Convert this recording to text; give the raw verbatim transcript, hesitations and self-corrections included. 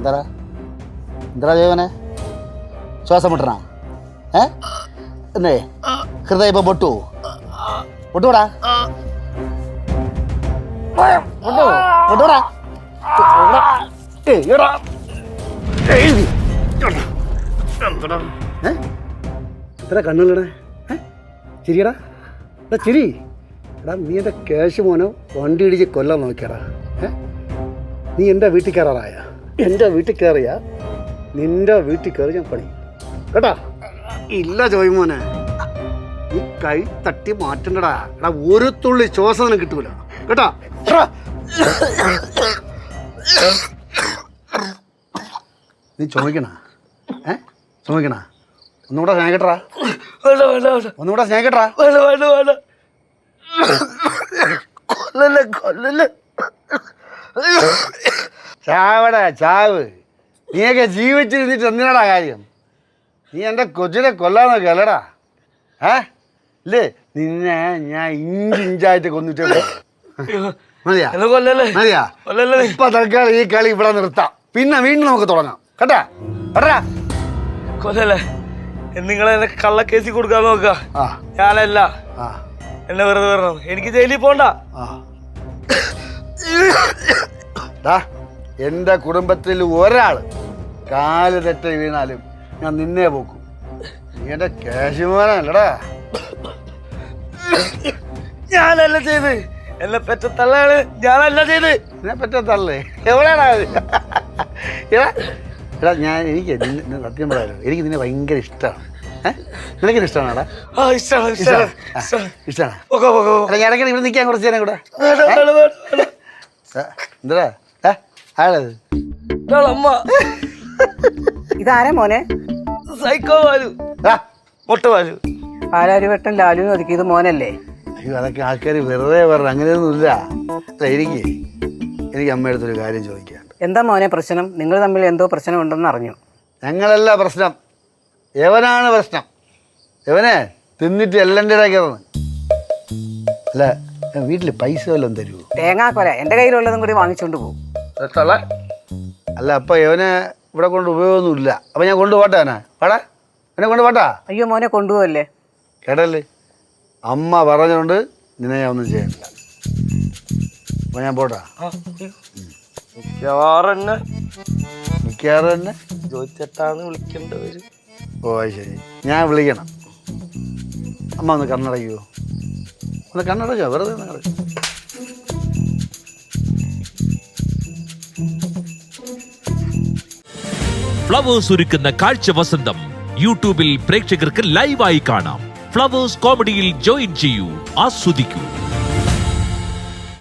എന്താ എന്താ ജോവനെ ശ്വാസം മുട്ടണ ഏ എന്നേ ഹൃദയം ഇപ്പൊ പൊട്ടു പൊട്ടൂടാ പൊട്ടു പൊട്ടൂടാ എത്ര കണ്ണുള്ളടേ ചിരിയടാ എടാ ചിരി എടാ നീ എൻ്റെ ക്യാഷ് മോനോ വണ്ടി ഇടിച്ച് കൊല്ലാൻ നോക്കിയടാ ഏ നീ എൻ്റെ വീട്ടിൽ കയറാറായ എൻ്റെ വീട്ടിൽ കയറിയ നിൻ്റെ വീട്ടിൽ കയറി ഞാൻ പണി കേട്ടാ ഇല്ല ജോയ് മോനെ നീ കൈ തട്ടി മാറ്റണ്ടടാ എടാ ഒരു തുള്ളി ശ്വാസം നിനക്ക് കിട്ടൂല കേട്ടാ നീ ചുമക്കണ ഏ ചുമക്കണ ഒന്നുകൂടെ സ്നേഹിക്കട്ടാ ഒന്നുകൂടെ സ്നേഹിക്കട്ടാ കൊല്ലല്ലേ കൊല്ലല്ലേ ചാവടാ ചാവ് നീയൊക്കെ ജീവിച്ചിരുന്നിട്ട് എന്തിനാടാ കാര്യം നീ എൻ്റെ കൊച്ചിനെ കൊല്ലാന്നൊക്കെ അല്ലടാ ഏ ഇല്ലേ നിന്നെ ഞാൻ ഇഞ്ച് ഇഞ്ചായിട്ട് കൊന്നിട്ടേ മതിയാ മതിയാ ഇപ്പൊ തൽക്കാലം ഈ കളി ഇവിടെ നിർത്താം പിന്നെ വീണ്ടും നമുക്ക് തുടങ്ങാം കേട്ടാ കേട്ടാ കൊല്ലല്ലേ നിങ്ങളെ എന്നെ കള്ളക്കേസി കൊടുക്കാൻ നോക്ക ഞാനല്ല എന്നെ വെറുതെ വരണം എനിക്ക് ജയിലിൽ പോണ്ട എന്റെ കുടുംബത്തിൽ ഒരാള് കാല് തെറ്റ വീണാലും ഞാൻ നിന്നെ പോക്കും നീ എന്റെ കാശുമാനല്ലടാ ഞാനല്ല ചെയ്ത് എന്നെ പെറ്റ തള്ളയാണ് ഞാനല്ല ചെയ്ത് എന്നെ പെറ്റ തള്ളേ എവിടെയാടാ എടാ എടാ ഞാൻ എനിക്ക് സത്യം പറയാലോ എനിക്ക് നിന്നെ ഭയങ്കര ഇഷ്ടമാണ് ഏഹ് നിനക്കിന് ഇഷ്ടമാണോടാ ഇഷ്ടമാണ് ഇഷ്ടമാണ് ഞാൻ ഇടയ്ക്ക് ഇവിടെ നിൽക്കാൻ കുറച്ച് നേരം കൂടെ എന്താ ആളത് ഇതാരാ മോനെ സൈക്കോ വാലു മൊട്ട വാലു പാലാരിവട്ടം ലാലു ഒതുക്കിയത് മോനല്ലേ അയ്യോ അതൊക്കെ ആൾക്കാർ വെറുതെ പറഞ്ഞു അങ്ങനെയൊന്നുമില്ല അല്ല എനിക്ക് എനിക്ക് അമ്മയടുത്തൊരു കാര്യം ചോദിക്കാനുണ്ട് എന്താ മോനെ പ്രശ്നം നിങ്ങൾ തമ്മിൽ എന്തോ പ്രശ്നം ഉണ്ടെന്ന് അറിഞ്ഞു ഞങ്ങളല്ല പ്രശ്നം യവനാണ് പ്രശ്നം യവനെ തിന്നിട്ട് എല്ലാം ഇടയ്ക്കിറന്ന് അല്ല വീട്ടിൽ പൈസ വല്ലതും തരുമോ തേങ്ങാക്കൊല എൻ്റെ കയ്യിലുള്ളതും കൂടി വാങ്ങിച്ചുകൊണ്ട് പോകും അല്ല അപ്പം യവനെ ഇവിടെ കൊണ്ട് ഉപയോഗമൊന്നുമില്ല അപ്പം ഞാൻ കൊണ്ടുപോട്ടെ അവനെ പാടാ എന്നെ കൊണ്ടുപോട്ടാ അയ്യോ മോനെ കൊണ്ടുപോകല്ലേ കേട്ടല്ലേ അമ്മ പറഞ്ഞുകൊണ്ട് നിന്നെ ഞാൻ ഒന്നും ചെയ്യണില്ല അപ്പം ഞാൻ പോട്ടാ മിക്കവാറും തന്നെ മിക്കവാറും തന്നെ ജോയിച്ചേട്ടാന്ന് വിളിക്കേണ്ടവര് ഓ ശരി ഞാൻ വിളിക്കണം അമ്മ ഒന്ന് കണ്ണടയ്ക്കുമോ ഒന്ന് കണ്ണടച്ചോ വെറുതെ നിങ്ങൾ ഫ്ലവേഴ്സ് ഒരുക്കുന്ന കാഴ്ച വസന്തം യൂട്യൂബിൽ പ്രേക്ഷകർക്ക് ലൈവായി കാണാം. ഫ്ലവേഴ്സ് കോമഡിയിൽ ജോയിൻ ചെയ്യൂ, ആസ്വദിക്കൂ.